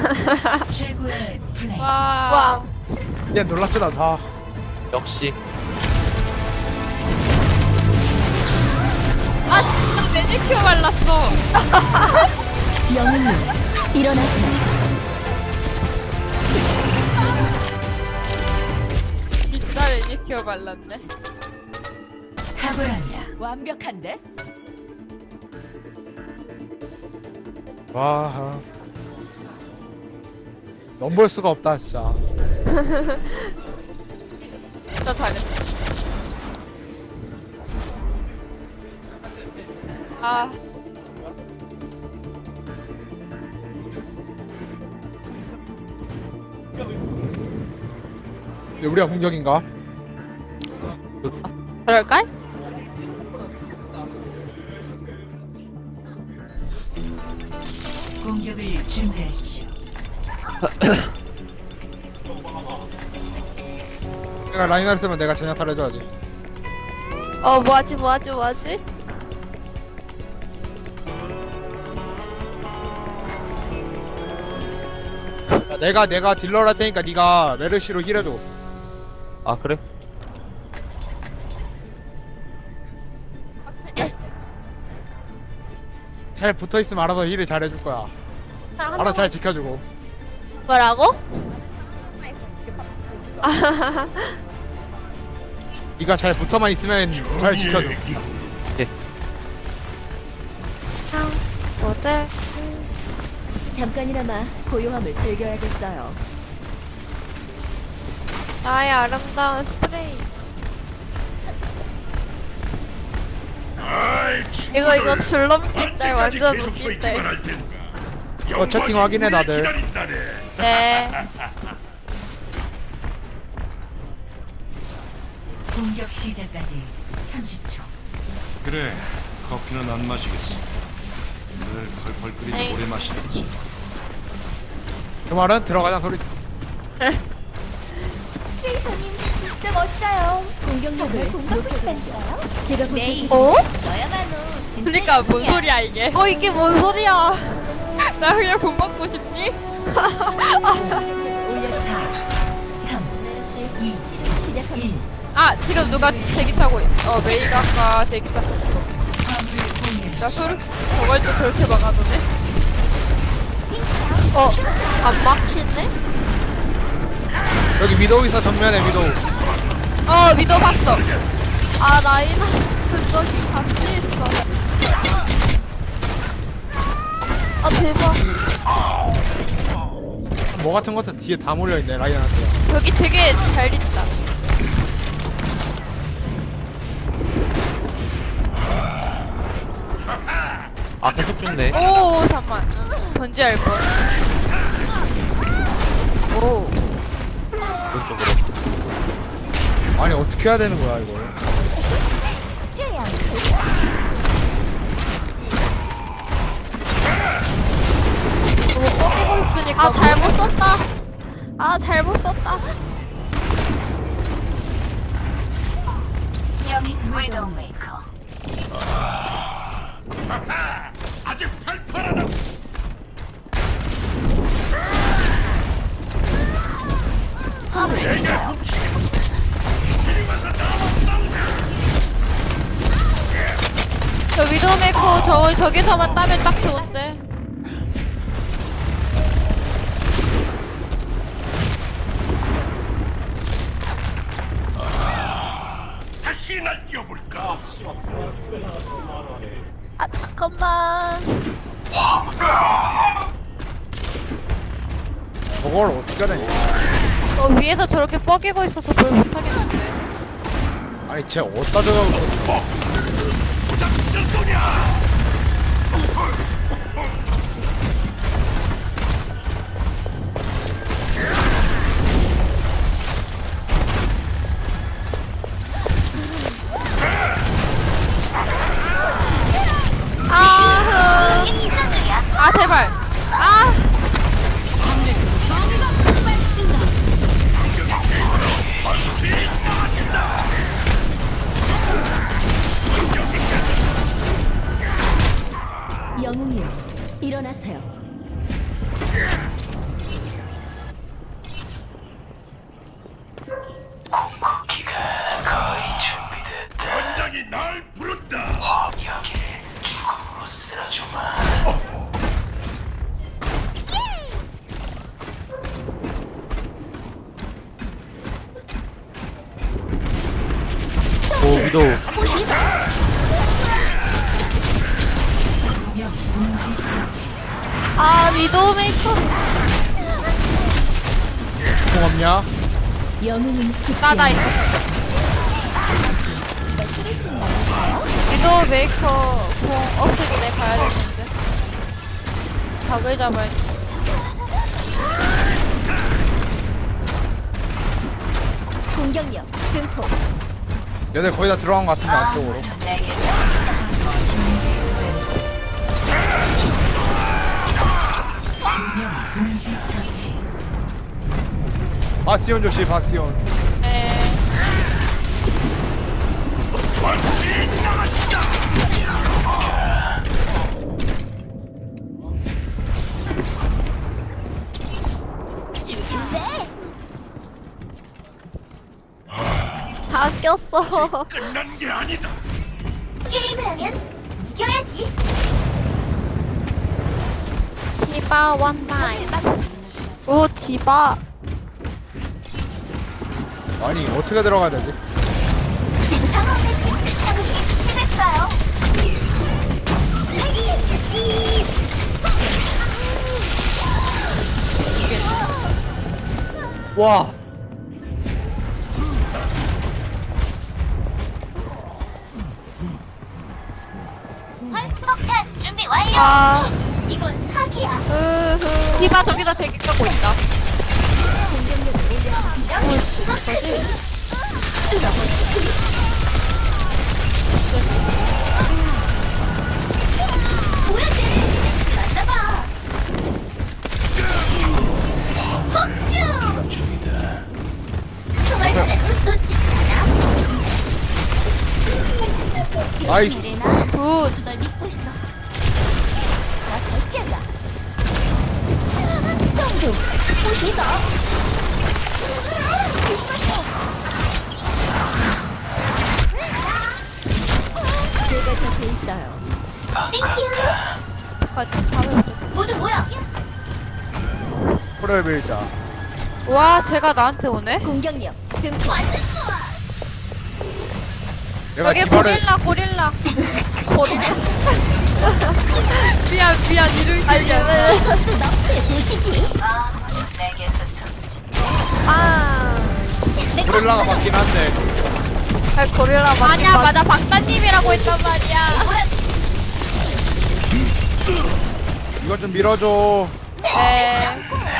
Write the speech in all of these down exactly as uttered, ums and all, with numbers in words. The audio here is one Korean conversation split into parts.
최고의 플레이. 와. 와. 얘 놀랍지도 않다. 역시 아 진짜 매니큐어 발랐어. 영웅님 일어나세요. 진짜 매니큐어 발랐네. 탁월합니다. 완벽한데? 와. 넘볼 수가 없다 진짜. 진짜 잘했어. 아. 이게 우리가 공격인가? 그럴걸? 공격을 준비하십시오. 내가 라인 했으면 내가 제냐타를 해줘야지. 어 뭐하지 뭐하지 뭐하지? 야, 내가 내가 딜러를 할 테니까 네가 메르시로 힐해줘. 아 그래? 잘 붙어있으면 알아서 힐을 잘 해줄 거야. 알아서 잘 지켜주고. 뭐라고? 네가 잘 붙어만 있으면 잘 지켜줘. 뭐들? 잠깐이나마 고요함을 즐겨야겠어요. 나의 아름다운 스프레이. 이거 이거 줄넘기 짤 완전 웃긴데. 어 채팅 확인해 다들. 네. 공격 시작까지 삼십 초. 그래, 커피는 안 마시겠어. 늘 펄펄 끓이는 에이. 오래 마시겠지. 그 말은 들어가자 소리. 세이사님 진짜 멋져요. 공격력을 높여드리죠. 제가 보세요. 어? 너야말로 그니까 뭔 소리야 이게? 어 이게 뭔 소리야? 나 그냥 돈 받고 싶니? 사, 삼, 이, 시작합니다. 아 지금 누가 대기 타고 있... 어 메이가 아까 대기 탔었어. 나 소리 저걸 또 저렇게 막아도네. 어? 안 막히네? 여기 위도우 있어 정면에 위도우. 어 미도 봤어. 아 라이나 저기 같이 있어. 아 대박. 뭐 같은 것도 뒤에 다 몰려있네 라이언한테. 여기 되게 잘 있다. 아 계속 죽네. 오 잠만. 뭔지 알 걸. 오. 오른쪽으로. 아니 어떻게 해야 되는 거야 이걸. 꺾이고 있으니까. 아 잘못 썼다. 아 잘못 썼다. 여기 웨더메이커. 아직 팔팔하다. 저 위도메이커 저 저기서만 따면 딱 좋은데. 다시 날 뛰어볼까? 아 잠깐만. 저걸 어떻게 해야 되냐. 어 위에서 저렇게 뻐기고 있어서 뭘 못하겠는데. 아니 쟤 어디다 저거. 아. 아 제발. 아. 위도우. 아 위도우 메이커. 공 없냐? 영웅은 죽지 나나 있어. 위도우 메이커 공 없을 때 가야 되는데. 닭을 잡아야 돼. 공격력 증폭. 얘들 거의 다 들어간 것 같은데 안쪽으로. 바스티온 조심 바스티온. 네. 죽인데. 다 꼈어. 끝난 게 아니다. 게임을 하면 이겨야지. 디바 원나잇. 오 디바. 아니 어떻게 들어가야 되지? 상황을 자극이 심했어요. 와. 펄스폭탄 준비 완료. 아 이건 사기야. 으흐. 디바 저기다 대기 갖고 있다. 공격력을 올려주면 이것까지. 뚫어보시지. 보여줘. 만나봐. 폭주. 총알 하나도 놓치지 않아. 나이스. 이래나? 굿. 널 믿고 있어. 자, 절제가. 성주, 보시죠. 조심하세요. 제가 곁에 있어요. 땡큐. 모두 모여. 코레 빌자. 와, 쟤가 나한테 오네? 공격력 증폭. 완전 좋아. 내가 저게 디바를 고릴라, 고릴라. 고릴라. 미안, 미안, 이를 알려. 이것도 너프에 보시지. 아. 고릴라가 맞긴 한데. 아 고릴라 맞. 아니야, 맞아. 박사님이라고 했단 말이야. 이것 좀 밀어줘. 네.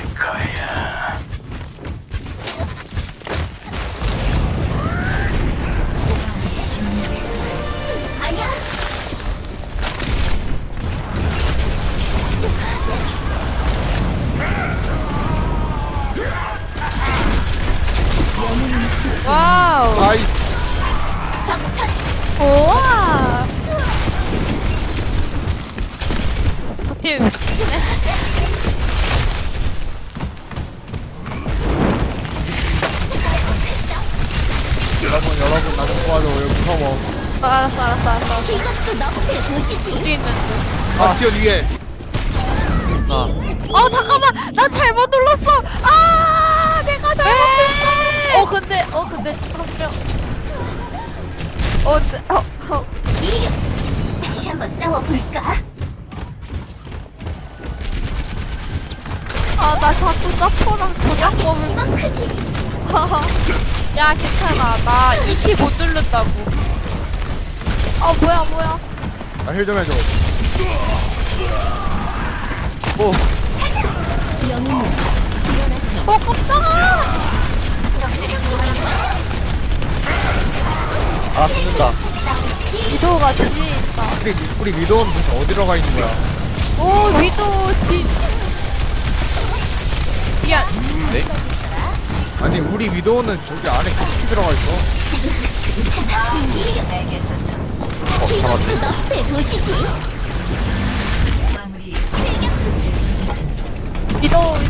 아니야. 와우. 나이스. 적처치. 우와. 팀. 여러분 여러분 나 좀 도와줘. 여기 무서워. 알았어 알았어 알았어. 이것도 너프에 보시지. 어디 있는데? 바스티온 위에. 나. 어 잠깐만 나 잘못 눌렀어. 아 내가 잘못했어. 어 근데 어 근데 잠깐만요. 어, 네, 어, 어. 이륙. 다시 한번 싸워볼까? 아, 나 자꾸 서포랑 저작법을. 이만 크지. 야, 괜찮아. 나 이 키 못 누른다고. 어, 뭐야, 뭐야. 나 힐 좀 해줘. 오. 영웅은 일어나세요. 어, 깜짝아. 적들이 들어오는 아, 붙는다. 위도우가 뒤에 있다. 우리, 우리 위도는 도대체 어디로 가 있는 거야? 오, 위도, 뒤. 미안. 네? 아니 우리 위도는 저기 안에 깊이 들어가 있어. 이륙. 어, 잡았네. 이것도 너프에 보시지. 위도우,